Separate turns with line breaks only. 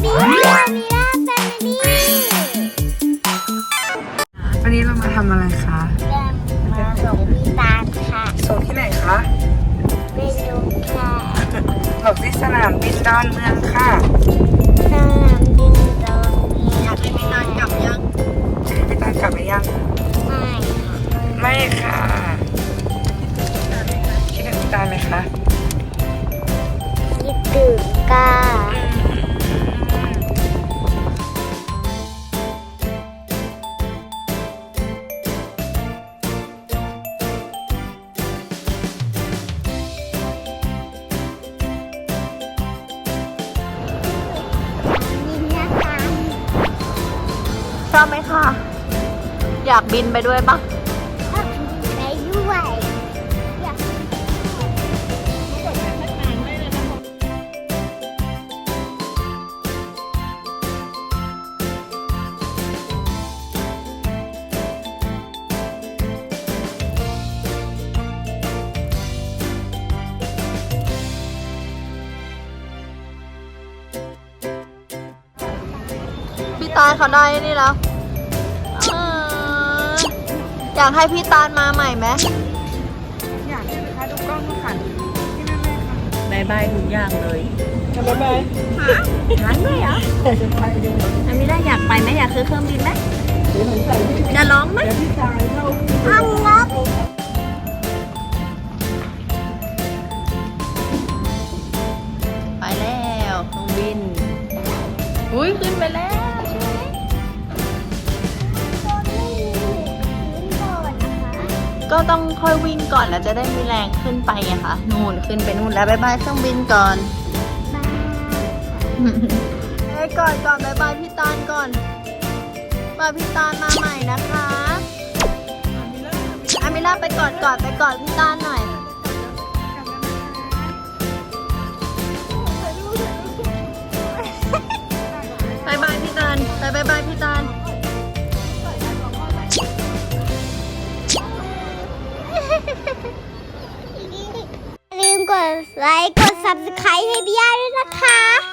ดีค่ะมิราแฟมิลี่
วันนี้เรามาทำอะไรคะ
มาส่งพี่ตาลค่ะ
ส่งที่ไหนคะ
ไม่รู้ค่ะ
บอกที่สนามบินดอนเมืองค่ะ
สนามบินตรงนี้
อยากให้พี่ตาลกลับยังพี่ตาลกลับไปยัง
ไม่ค่ะ
ไม่ค่ะคิดถึงพี่ตาลไหมคะ
คิดถึงค่ะ
ชอบไหมคะอยากบินไปด้วยปะ
ไปด้วยอยาก
พี่ตาลเขาได้นี่แล้วอยากให้พี่ตาลมาใหม่ไหม
อยากให้คะดูกล้องดูค่ะที่นั่นเลยค่ะ
บายบายทุกอย่างเลย
บ๊ายบาย
ร้านด้วยเหรออามิล่าอยากไปไหมอยากซื้อเครื่องบินไหมจะร้องไหม
อังงับ
ไปแล้วเครื่องบินอุ้ยขึ้นไปแล้วใช่ไหมก็ต้องค่อยวิ่งก่อนแล้วจะได้มีแรงขึ้นไปไงคะนู่นขึ้นไปนู่นแล้วบายบายเครื่องบินก่อนไปก่อนบายบายพี่ตาลก่อนบายพี่ตาลมาใหม่นะคะอามิล่าไปกอดพี่ตาลหน่อยบายบายพี่ตาลบายบายพี่ตาล
อย่าลืมกดไลค์กด subscribe ให้พี่ย่าด้วยนะคะ